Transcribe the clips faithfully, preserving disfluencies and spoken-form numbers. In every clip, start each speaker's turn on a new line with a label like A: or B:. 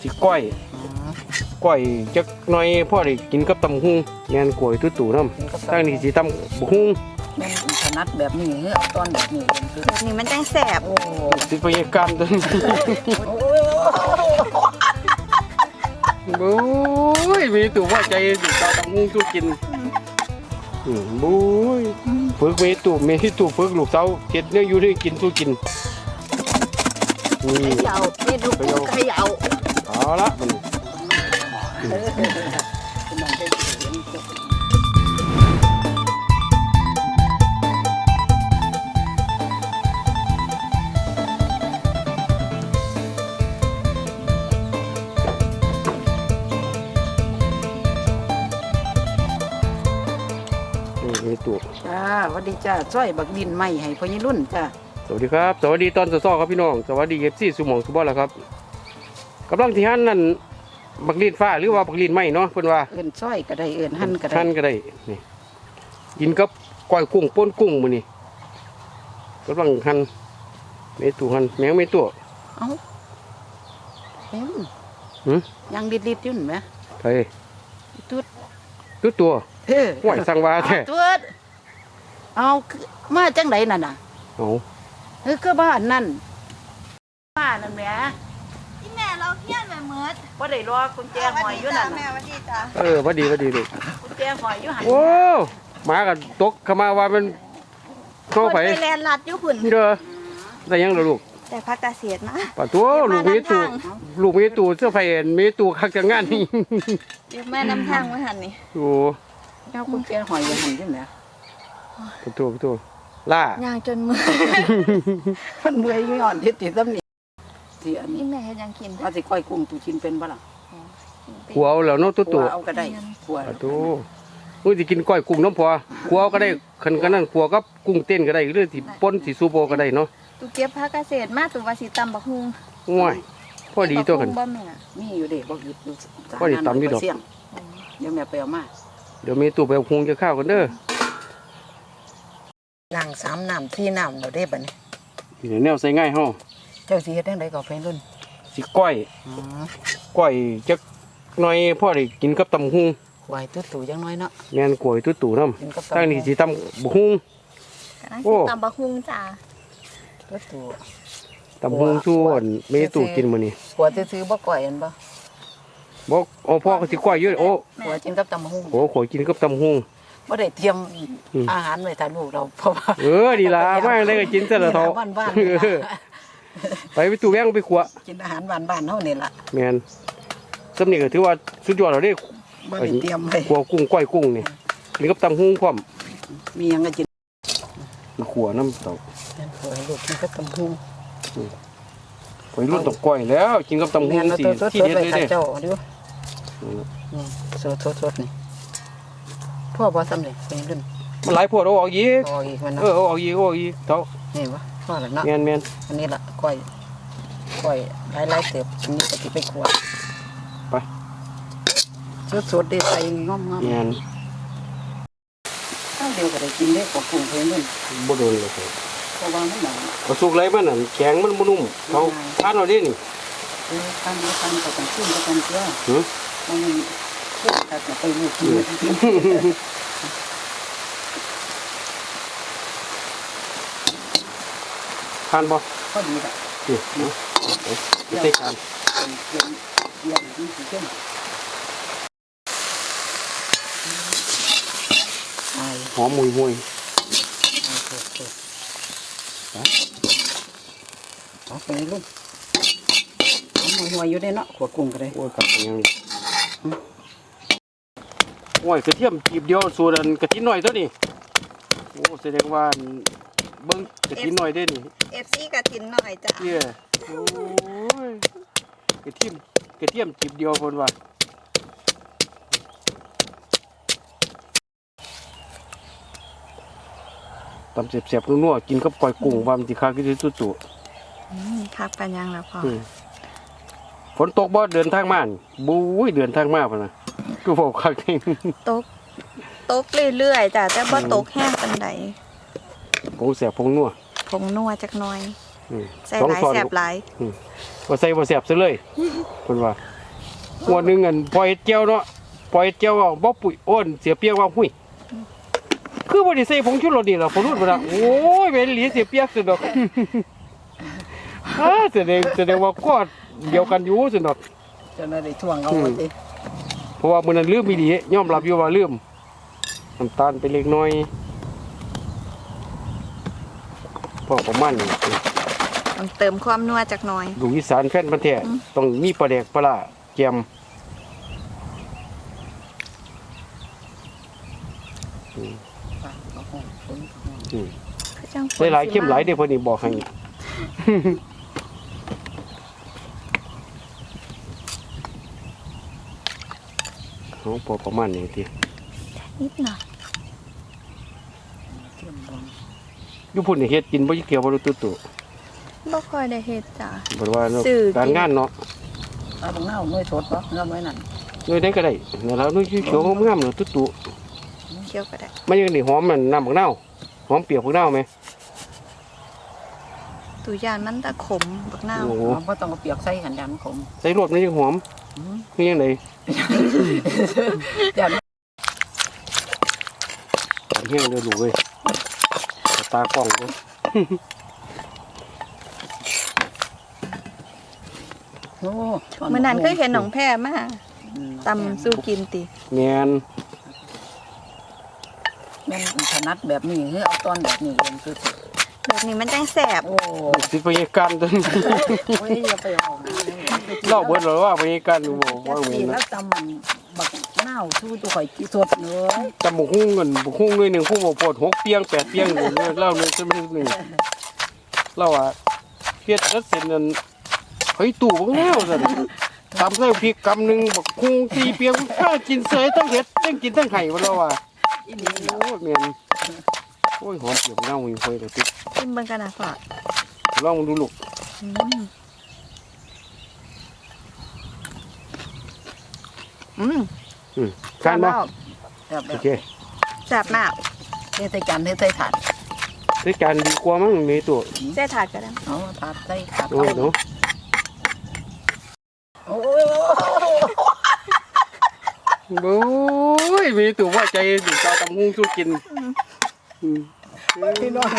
A: สิก้อยก้อยจักหน่อยพ่อได้กินกับตำหุ่งแม่นกล้วยตุ้ตู่น้ำตั้งนี่สิตำบุหุ่ง
B: แม่นถนัดแบบนี้เอาตอนแบบนี้
C: แบบนี้มันจังแสบโอ้
A: สิพยากรรมตัวนี้โอ้ยมีตู่ว่าใจสิตาตำหุ่งสู้กินอืมบุ้ยฝึกเมตู่เมตู่ฝึกลูกสาวเฮ็ดเนี่ยอยู่ได้กินสู้กิน
B: นี่เขย่านี่ดูเขย่า
A: เอาละมันนี่ตัว
B: จ้าสวัสดีจ้าจ้อยบักดินใหม่ให้พ่อยี่รุ่นจ้า
A: สวัสดีครับสวัสดีตอนสอๆครับพี่น้องสวัสดีเอฟซีสุหมองสุบอลแล้วครับกำลังที่หั่นนั่นบักลีนฟ้าหรือว่าบักลีนไหมเนาะเพิ่นว่า
B: เอิ้นจ้อยก็ได้เอิ้นหั่นก็ได้
A: หั่นก็ได้นี่กินกับก้อยกุ้งป่นกุ้งมื้อนี้กำลังหั่นเมตูหั่นแมงเมตัว
B: เอ้าเอ็ม
A: หึ
B: ยังลิดๆอยู่นั่นแหม
A: เฮ้ย
B: ตุ๊ด
A: ตุ๊ดตัว
B: เฮ้อ
A: ห่วยสั่งว่าแท้
B: ตุ๊ดเอามาจังไดนั่นน่ะ
A: เอ้า
B: เฮ้ยก็บ้านนั่นบ้านนั่นแหม
C: ที่แม่เราเฮี้ยนแบบเมิด
B: บ่ได้รอกุญแจหอยอยู่นั่น
C: แม่วัดดีจ้า
A: เออวัดดีวัดดีลูก
B: กุญแจหอยอยู่หั่น
A: โอ้หมาก็ตกเข้ามาว่ามันเข้าไป
C: แลนลัดอยู่หุ่น
A: เด้อได้ยังล่ะลูก
C: แต่พักเกษตรมา
A: ป่ะตัวลูกมีตู่ลูกมีตู่เสื้อไฟเอ็นมีตู่คักจังงานนี่
C: แม่นำทางมาหันนี่
A: โอ้
B: เจ้ากุญแจหอยอยู่หั่นอยู่แหม
A: ป่ะตัวป่ะตัวล่า
C: ย่างจนมือ
B: มันเมื่อยอยู่อ่อนทิศติซ้ำนี่ที่อันนี้
C: แม่เฮ็ดยังกิน
B: ว่าสิก้อยกุ้งตู่กินเป็นบ่ล่ะ
A: ขัวเอาแล้วเนาะตัวตัว
B: เอาก็ได้ขัว
A: ตัวมื้อสิกินก้อยกุ้งน้ำพอขัวก็ได้คันกันนั่นขัวกับกุ้งเต้นก็ได้หรือสิป่นสิซูโบก็ได้เนาะ
C: ตูเก็บผักเกษตรมาตูว่าสิตำบักฮุง
A: ง่ายพอดีตัวกัน
C: บ่แม่
B: มีอยู่เด้บ่หยุดอยู่
A: พอดีตำอยู่ดอก
B: เดี๋ยวแม่ไปเอามา
A: เดี๋ยวมีตู้ไปเอาฮุงจะข้าวกันเด้อ
B: ล้างสามน้ำที่น้ำเราได้บัดนี้
A: เดี๋ยวแนวใส่ง่ายเฮา
B: เจ้าสิเฮ็ดจังไดก็ไปรุ่น
A: สิก้อยก้อยจักหน่อยพ่อได้กินกับตำฮุง
B: กล้วยตุ้ตู่จังน้อยเนาะ
A: แม่นกล้วยตุ้ตู่น้ำตั้งนี่สิตำบักฮุง
C: โอ้ตำบักฮุงจ้า
B: ตุ้ตู่
A: ตำฮุงส่วนเมตู่กินมื้อนี้
B: กล้วยซื้อบ่ก้อยอันบ่
A: บ่โอ้พ่อก็สิก้อยอยู่โอ้
B: กล้วยกินกับตำบักฮุง
A: โอ้ขอยกินกับตำฮุง
B: บ่ได้เตรียมอาหารไว้ถ่ายรูปเราเพราะว่า
A: เออดีล่ะมาได้ก็กินซะละเฒ่า
B: บ้าน
A: ๆไปไปตู้แว้งไปขัว
B: กินอาหารบ้านๆเฮานี่ล่ะ
A: แม่นสำนี่ก็ถือว่าสุดยอดแล้วเด้
B: บ่ได้เตรียมไว้
A: ขัวกุ้งก้อยกุ้งนี่กินกับตำฮุงพร้อม
B: มีหยังก็กิน
A: ขัวน้ำเต้า
B: ขอให้ลูกกินกับตำฮุง
A: ไปรุ่นตกก้อยแล้วกินกับตำฮุงสิที่เด็ดเลยเด้
B: เจ้าดูนี่สดๆนี่พ่อบ่ซ้ำนี่เป็นรุ่น
A: มันหลายพวดเอาออกอีก
B: ออกอีกมัน
A: เออเอาออกอีกเอาออกอีกเต้า
B: นี่บ่พ่อแล้วเนาะ
A: แม่น
B: ๆอันนี้ล่ะก้อยก้อยหลายๆเติบอันนี้ก็สิไปคั่ว
A: ไป
B: สดๆได้ใส่งอมๆ
A: แม่น
B: ข้าวเดียวก็ได้กินได้กับกุ้งเพิ่นนั่น
A: บ่โดนเลย
B: เพราะว่ามันหนัง
A: บ่สุกไรมันน่ะแข็งมันบ่นุ่มเขาทานเอาดินี่
B: เออทานบ่ทานก็ต้องชิมก็ต้องเชื่อ
A: หึ
B: มันขึ้นตัดไปลูกกิน
A: ทานบ่
B: พอดีล่ะ
A: นี่เนาะใส่จาน
B: เย็นเย็นนี่สิเข้ม
A: หอมมุยมุย
B: เอาไปลูกหอมมุยมุยอยู่ได้เนาะขวดกุ้งก็ได้
A: โอ้ยกับยังโอ้ยกระเทียมจีบเดียวส่วนกระทิหน่อยเท่านี้โอ้แสดงว่าเบิ้งกระทิหน่อยได้นี่
C: เอฟซีกระทินหน่อยจ้ะ
A: เย้โอ้ยกระเทียมกระเทียมจีบเดียวคนว่าตำเสียบๆนัวๆกินกับก้อยกุ้งว่ามันสิคักที่สุดตัว
C: คักปัญญังแล้วพ่อ
A: ฝนตกบ่เดินทางมาบู๊ยเดินทางมาพุ่นน่ะกูบอกคักจริง
C: ตกตกเรื่อยๆจ้ะแต่บ่ตกแห้งปานใด
A: ผงแสบผงนัว
C: ผงนัวจักหน่อยใส่หลายแสบหลาย
A: บ่ใส่บ่แสบซะเลยเพิ่นว่าหัวหนึงอันปล่อยเจียวเนาะปล่อยเจียวว่าบ่ปุ๋ยโอนเสียเปียกว่าหุ้ยคือบ่ได้ใส่ผงชูรสนี่ล่ะผมรู้บ่ล่ะโอ้ยเป็นหลีเสียเปียกสุดดอกอ่าแสดงแสดงว่าก็เดียวกันอยู่สุดดอก
B: จะได้ช่วงเอาไว้ติ
A: เพราะว่ามื้อนั้นลืมอีหลียอมรับอยู่ว่าลืมน้ำตาลไปเล็กน้อยพอประมาณนี้
C: ต้องเติมความนัวจักหน่อย
A: ลูกอีสานแฟนพันธุ์แท้ต้องมีปลาแดกปลาร้าแกม
C: คือจังฝน
A: หลายๆเข้มหลายเด้อเพิ่นนี่บอกให้ เขาพอประมาณนี้ที
C: นิดหน่อย
A: อยู่พุ่นนี่เฮ็ดกินบ่เกี่ยวบ่รู้ตุตุ
C: บ่ค่อยได้เฮ็ดจ้ะ
A: บ่ว่าเนาะ
C: ซื้อกิน
A: การงานเนาะ
B: เอาบังเน่าหน่วยสดบ่เงาไว้นั่น
A: หน่วยใดก็ได้นั่นแล้วหน่วยเขียวๆงามๆเนาะตุตุ
C: เคี่ยวก็ได้
A: มันยังนี่หอมมันน้ำบักนาวหอมเปียกบักนาวไหม
C: ตุยานมันตะขมบักนาว
A: โอ้โห
B: เราบ่ต้องเอาเปียกใส่หันยันขม
A: ใส่รสมันยังหอมคือยังไง
B: ยัน
A: ตอนแห้งเด้อลูกเอ้ยตากล้องเด้อ
B: โอ้
C: มื้อนั้นเคยเห็นหนองแพมาตำสู้กินติ
A: แม่น
B: แม่นถนัดแบบนี้คือเอาตอนแบบนี้เองคือ
C: แบบนี้มันจังแซ่บ
B: โอ้
A: สิพยาการตัวนี้
B: โอ้ยอย่าไปเอานะ
A: เล่าเบิดเลยว่าพยาการบ่
B: แค่
A: ว่าเหมื
B: กิ
A: อน น
B: แล้
A: นะ
B: วตำมันบักเน่าสู้ตัวข่อยกินสดเนื้อ
A: จำบุกหุ้งเงินบุกหุ้งด้วยหนึ่งหุ้งบ่พอดหกเปียงแปดเปียงอยู่เนี่ยเล่าเลยจะไม่หนึ่งเล่าว่าเฮ็ดแล้วเสร็จนั่นเฮ้ยตู่บ่แล้วซั่นตำใส่พริกกำหนึงบักหุ้งสี่เปียงข้ากินเสยทั้งเฮ็ดทั้งกินทั้งไห้บ่แล้วว่า
B: อีนี่
A: โอ้ยแม่นโอ้ยหอมเปียกเน่าอยู่ค่อยแต่ติด
C: ชิมเบิ่งกันนะพ่อ
A: ลองดูลูก
C: อืมอืม
A: อืมการบ่
B: แบบแบ
A: โอบ เค
C: แซ่บมาก
B: เทใส่จานเทใส่ถาด
A: ด้วยการดีกว่ามั้งมีตัว
C: แซ่ถาดก็ได้
B: เอาถาดใส่ถาด
A: โอ้ยเนาะ
B: โอ้ย
A: โอ้ยมีตัวว่าใจสิเจ้าตำหุ้งสู้กินอืม
B: พี่น้อง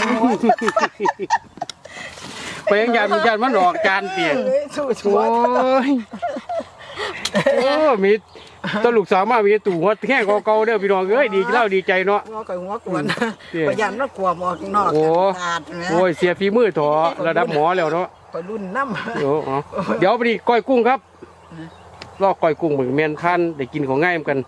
A: ไปยังยานยานมันออกจานเปียก
B: สู้
A: โอ้ยโอ้มีตวลูกสาวมามีตู่หัวแข้งเก่าๆเด้อพี่น้องเอ้ยดีเล่าดีใจเนาะ
B: หัวก่อยหัวกวนประหยัดว่ากลัวหมอกนอก
A: โอ้
B: ถาดนะ
A: โอ้ยเสียฝีมือถอระดับหมอแล้วเนาะ
B: ไปรุ่นน้ำ
A: เดี๋ยวอ๋อเดี๋ยวไปดิก้อยกุ้งครับลอกก้อยกุ้งเหมือนแมนท่านได้กินของง่ายเหมือนกัน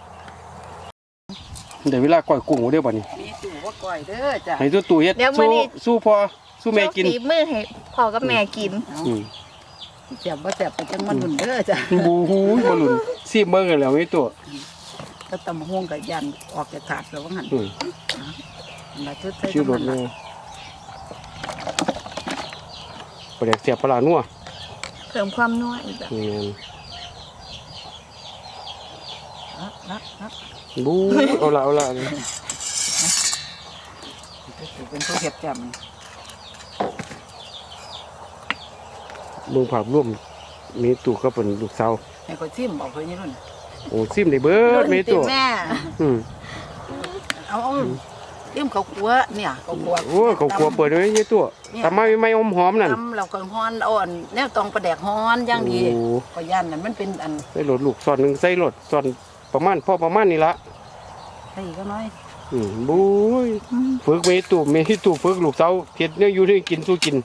A: เดี๋ยวเวลาก้อยกุ้งเดี๋ยวบ่นี้
B: มีตู่ว่าก่อยเด้อจ้ะ
A: ให้ตัวตู่เฮ็ดสู้สู้พอสู้แม่กิน
C: โชคฝีมือให้พ่อกับแม่กิน
A: อืม
B: เจ็บว่าเจ็บไปจังมันหุ่นเด้อจ้ะ
A: บูฮูบอลลุนซีเบิ้งกันแล้วไม่ตัว
B: ก็ตำห่วงกับยันออกจากถาดแล้วว่าหัน
A: อืม
B: มาชุดใส่
A: ชื่อรถเลยประเด็กเสียบปลาหนัว
C: เพิ่มความนัวอีกแบบ
A: นี่
B: นะนะนะ
A: บูเอาละเอาละ
B: เป็นผู้เห็ดแจ่ม
A: มึงผักร่วมมีตู่ก็เป็นลูกสาว
B: ให้คนซิมบอกเพื่อนนี่รุ่น
A: โอ้ซิมได้เบิดมีตัว
C: แม่
A: อืม
B: เอาเอาซิมเขากลัวเนี่ยเขากลัว
A: โอ้เขากลัวเปิดไว้ยี่ตัวทำไมไม่อมหอมนั่น
B: ตำเราก็ฮ้อนอ่อนแนวตองประแดกฮ้อนอย่างดี
A: โอ้
B: ก็ยันนั่นมันเป็นอัน
A: ใส่รถลูกส่วนหนึ่งใส่รถส่วนประมาณพ่อประมาณนี้ละ
B: ใส่ก็น้อย
A: อืมบูยฝึกเมตู่เมตู่ฝึกลูกสาวเฮ็ดเนี่ยอยู่ที่กินสู้กิน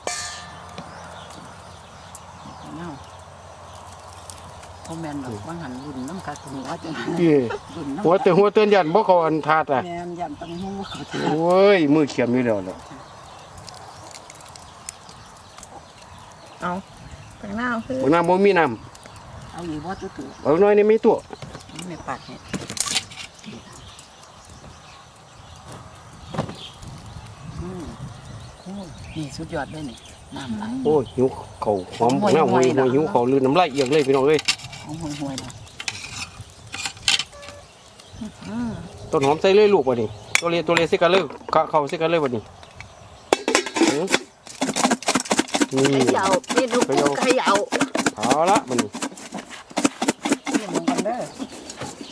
B: เนาพ่อแม่นบางหันรุ่นน้ำกาหัวจัง
A: เอ้
B: รุ่นน้ำ
A: หัวแต่หัวเตือนยันบ่เขาอันทาดอ่ะ
B: แม่นยันตังหูเขาเถ
A: โอ้ยมือเขียมอยู่แล้วล่ะ
C: เอาไปหน้าคือ
A: บ่น้ำบ่มีน้
B: เอาอยู่ว่าตัวตัว
A: ำเอาน้อยนี่มีตัว
B: ไม่ปากเนี่ยอืมโอ้นี่สุดยอดเลยนี่น้ำไหล
A: โอ้ยหิวเขาวหอมหน้าหวยหวยหิวเขาวลือน้ำลายเอียงเลยพี่น้องเอ้ย
B: หอมห่วยๆนะ
C: อืม
A: ต้นหอมใส่เลยลูกบ่นี่ตัวเลตัวเลสิกันเลยกะเข้าสิกันเลยบ่นี่หือนี่
C: เขย่าเมนูกุ้งเขย่า
A: เอาละบ่นี่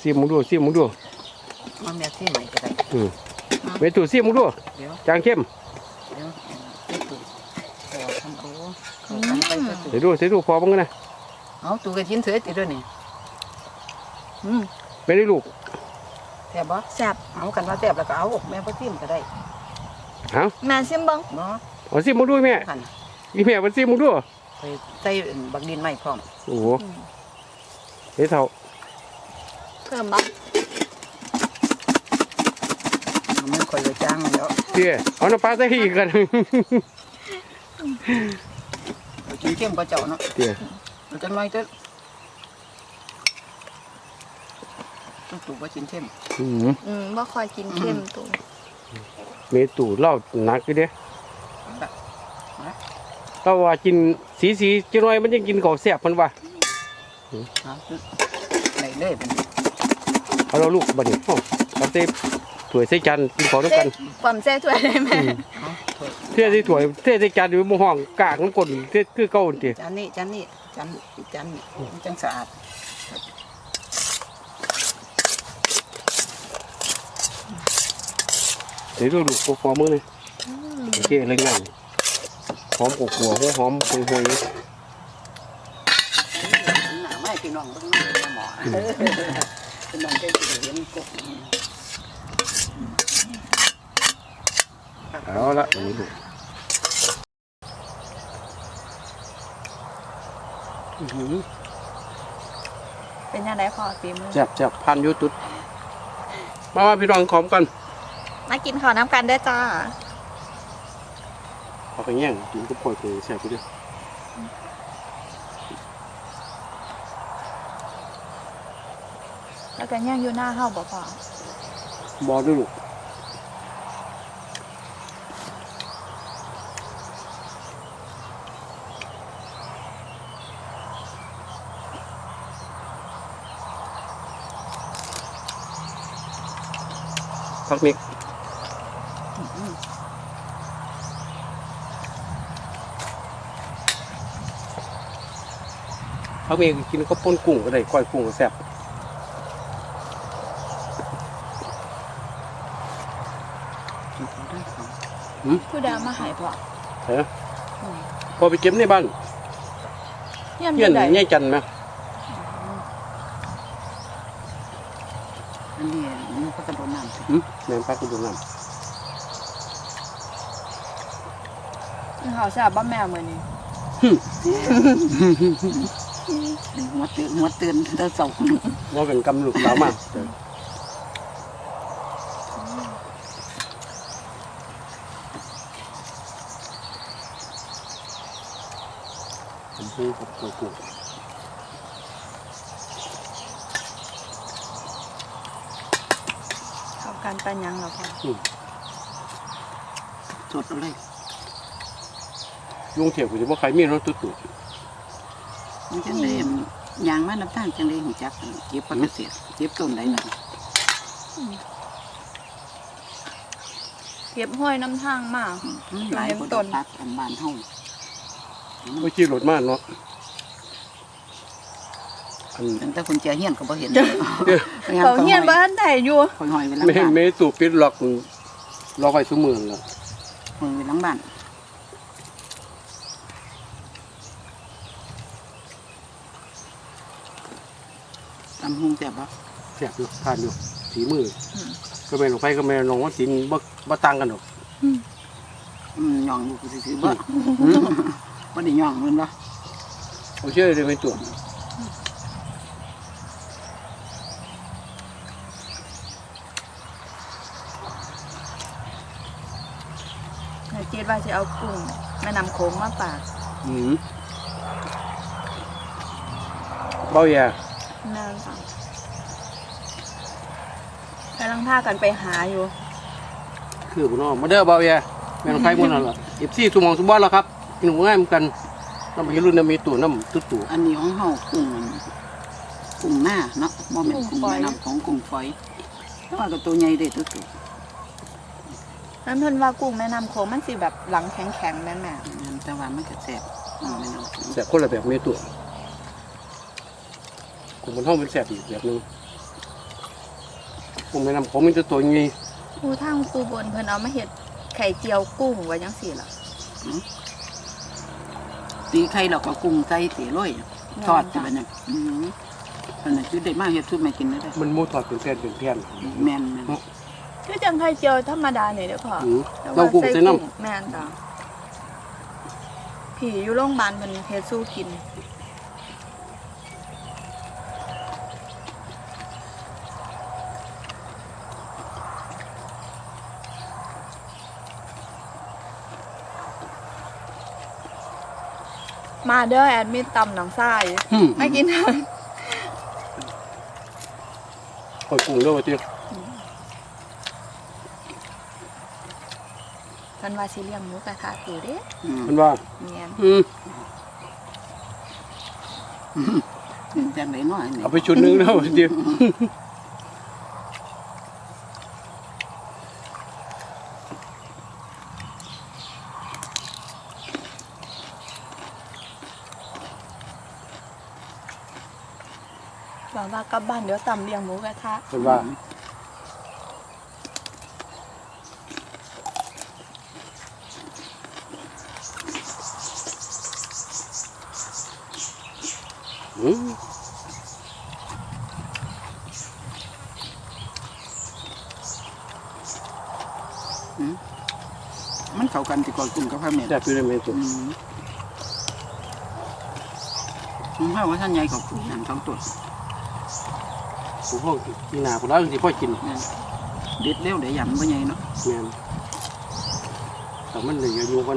A: ซีมึงดูซีมึงดู
B: มาแม่ที่ใหม่ก็ได้
A: อืมเมตูซีมึงดู
B: เดี๋ยว
A: จางเข้ม
B: เดี๋ยวไปตู่ขอทำโอ้ขอทำไปก็ตู่
A: เดี๋ยวดูเดี๋ยวดูพอบ้างนะ
B: เอาตู่กับชิ้นเสือติดด้วยนี่อืม
A: ไม่ได้ลูก
B: แซ่บบ่
C: แซ่บ
B: เอากันว่าแซ่บแล้วก็เอาแม่พ่อซิมก็ได้
A: เอา
C: แม่ซิมเบิ่ง
B: เนาะ
A: เอาซีมึงดูแม่
B: ขัน
A: อีแม่มันซีมึงดู
B: ไปใส่บักดินใหม่พร้อม
A: โอ้โหเฮ้ยเท่า
C: เพิ่มบ่
B: เอามันคอยเลยจ้างแล้ว
A: เตี้ยเอาน้ำปลาใส่อีกกัน
B: เอากินเข้มก็เจ้าเนาะ
A: เตี้ย
B: เราจะน้อยเต้นต้องตู่ว่าชิ้นเข้ม
A: อืม
C: อืมบ่ค่อยกินเค็มตัว
A: เมตูเหล่าหนักอยู่เด้
B: แบบ
A: เราว่ากินสีสีจังหน่อยมันยังกินของแซ่บมันว่า
B: เอาไหนเลยเป็น
A: เอาเราลูกบัดนี้เอ้าตับเต้ถ้วยใส่จานกินของน้ำกัน
C: ความแซ่ถ้วยได้แม่
B: เอาถ้วย
A: เท่ใส่ถ้วยเท่ใส่จานอยู่บนห้องกากน้ำกลนเท่คือเก่าติ
B: จานนี้จานนี้จานอีกจานนี้มันจังสะอาด
A: เดี๋ยวดูลูกพอมือเลยโอเคเลยง่ายหอมกลัวหัวหอมหวยหวย
B: หนาไม่พี่น้องเบิ่งน้องหมอพี่น้องแกจะเห็นกบ
A: เอาละอันนี้ลูก
C: เป็นยังไงพ่อฝีมือ
A: แซ่บแซ่บพันอยูตุดมาว่าพี่น้องขอมกัน
C: มากินข้าวน้ำกันได้อจ้า
A: เอาไปแย่งกินก็ปล่อยไปแซ่บไปด้วย
C: แล้วกันย่างอยู่หน้าเฮาบ่พ่อบ
A: อด้วยลูกพักมิกพักมิกกินก็ป้นกุ้งก็ได้ก้อยกุ้งก็แซ่บ
C: ผู้ใดเอามาให้พ่อ
A: เฮ้ยพอไปเก็บในบ้าน
C: เยี่ยมอ
A: เฮียน
C: ยู่ใด
A: แง่จันไหม
B: อันนี้มันก็กระโดดน้ำ
A: หืมแม่นพักกูดูน้
C: กินข้าวแซ่บบ่แม่มื้อนี้
B: หัวตื่นหัวตื่นเธอสอง
A: ำว่าเป็นกำลูกสาวมากผมพูดกับตัวกู
C: เข้ากันปานหยังล่ะพ่อ
B: สดเลย
A: ยุงเถียบกูจะว่าใครมีรถตุ๊ด
B: มันจังเลยยางมาน้ำตาลจังเลยหูจักเก็บปกติเก็บต้นได้หน่อย
C: เก็บห้อยน้ำทางมา
B: หลายคนต้นพักอันบ้านเฮา
A: ไม่ชี้รถมากเนาะอัน
B: ตั้งแต่คนเจียเฮียนก็บ่เห็น
C: เขาเฮียนบ้านไดอยู่
B: คอยหอยไว้หลัง
A: ไม่
B: บ้าน
A: ไม่ตูปิดล็อกล็อกไว้ทุกเมืองแล้ว
B: หอยไว้หลังบ้านตำหุงแซ่บบ่
A: แซ่บอยู่ทานอยู่สีมือก็แม่นลงไปก็แม่นลงว่าสินบ่บ่ต่างกันหรอก
B: อืมย่องอยู่ซื่อๆบ่บ่ได้ย่องมันบ่
A: เอาเชื่อเลยไม่ตัว
C: นายเจดว่าจะเอากุ้งแม่น้ำโขงมาฝาก
A: อืมเบาแย่
C: แม่นจ้ะกำลังพากันไปหาอยู่
A: คือบุญน้องมาเด้อเบาแย่แม่นไฟมุ่นนั่นล่ะเอฟซีสุมองสุบอนแล้วครับกินหมูง่ายเหมือนกันน้ำไปรุ่นน้ำมีตู่น้ำตุ๊ดตู่
B: อันนี้ของเฮากุ้งกุ้งหน้าเนาะบ่แม่นกุ้งแม่น้ำของกุ้งฝอยแต่ว่าก็ตัวใหญ่เด้ตัวตัว
C: นั่นเพิ่นว่ากุ้งแม่น้ำโขงมันสิแบบหลังแข็งๆแม่นแม่
B: แต่ว่ามันก็แซ่บแม่น้ำกุ้ง
A: แสบคนละแบบมีตู่กลุ่มมันห้องเป็นแสบอีกแบบนึงกุ้งแม่น้ำโขงมีแต่ตัวใหญ่
C: ปูทางปูบนเพิ่นเอามาเฮ็ดไข่เจียวกุ้งไว้จังซี่ล่ะ
B: ตีไข่เราก็กุ้งใส่ตีร้อยทอดจะเป็นยังอืมอันนั้นคือได้มากเฮ็ดทุกไม่กินได้
A: มันหมูทอดเป็นแผ่นเป็นแผ่น
B: แม่นแม่น
C: คือจังไข่เจียวธรรมดานี่เด้อพ่อ
A: อืม
C: แต่
A: เรา
C: ว่า
A: กุ้ง
C: ใส่
A: ใส่น้
C: กุ้งแม่นจ้ะผีอยู่โรงพยาบาลเพิ่นเฮ็ดสู้กินมาเด้อแอดมินตำหนังทราย
A: ำอืม
C: ไม่กิน
A: คอยกุ้งด้วยว่าเตี้ย
C: เพิ่นว่าสิเลี้ยงหมูกระทะตูเด้
B: อืม
A: มันว่า
C: แม่น
A: อืม
B: จังไหนน้อยนี่
A: เอาไปชุดหนึงแล้วว่าเตี้ย
C: บอกว่ากลับบ้านเดี๋ยวตำเลี้ยงหมูกระทะ
A: มันว่าอืม
B: มันเข้ากันที่ก่อยกุ้งกับข้าวแม่
A: แซ่บอยู่ในเมนู
B: อืมผมว่าท่านใหญ่กว่ากุ้งนั่นสองตัว
A: ผมพ่อกินหนาผมแล้วสิพ่อกิน
B: แม่นเด็ดเร็วเดี๋ยวยำบ่ใหญ่เนาะ
A: แม่นแต่มันเหลืออยู่กัน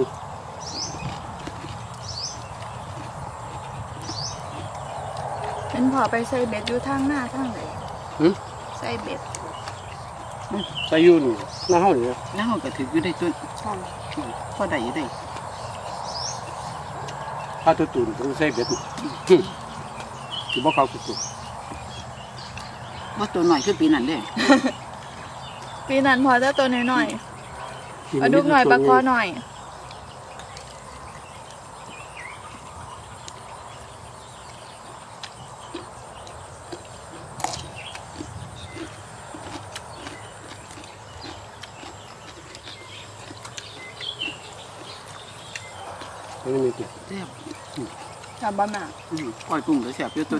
C: เป็นพอไปใส่เบ็ดอยู่ทางหน้าทางไหน
A: หึ
C: ใส่เบ็ด
A: ใส่อยูนี่หน้าเฮานี่นะ
B: แล้วเราก็ถืออยู่ได้ตัว
C: ใช่
B: พอได้อยู่ได้
A: ถ้าตัวตุ่นต้องใส่เบ็ดนี่หึสิบ่เข้าตัวตุ่น
B: ว่าตัวหน่อยคือปีนั้นเด้
C: ปีนั้นพอจะตัวน้อยๆปลาดุกหน่อยปลาคอหน่อย
A: ไม่มีตัว
B: แซ่บ
C: ทำบะหมี่
B: อืมก้อยกุ้งก็แซ่บอยู่ตัว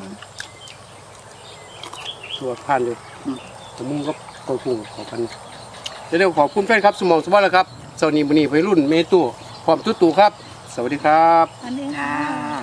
A: ตัวผ่านเลย
B: อืม
A: แต่มุ้งก็กดปุ่งขอพันเดี๋ยวขอบคุณแฟนครับสมองสวัสดิ์แล้วครับสวัสดีบุญนีไปรุ่นเมตุพร้อมตุ้ตู่ครับ สวัสดีครับ
C: อันนี้
B: จ้า
C: ค่ะ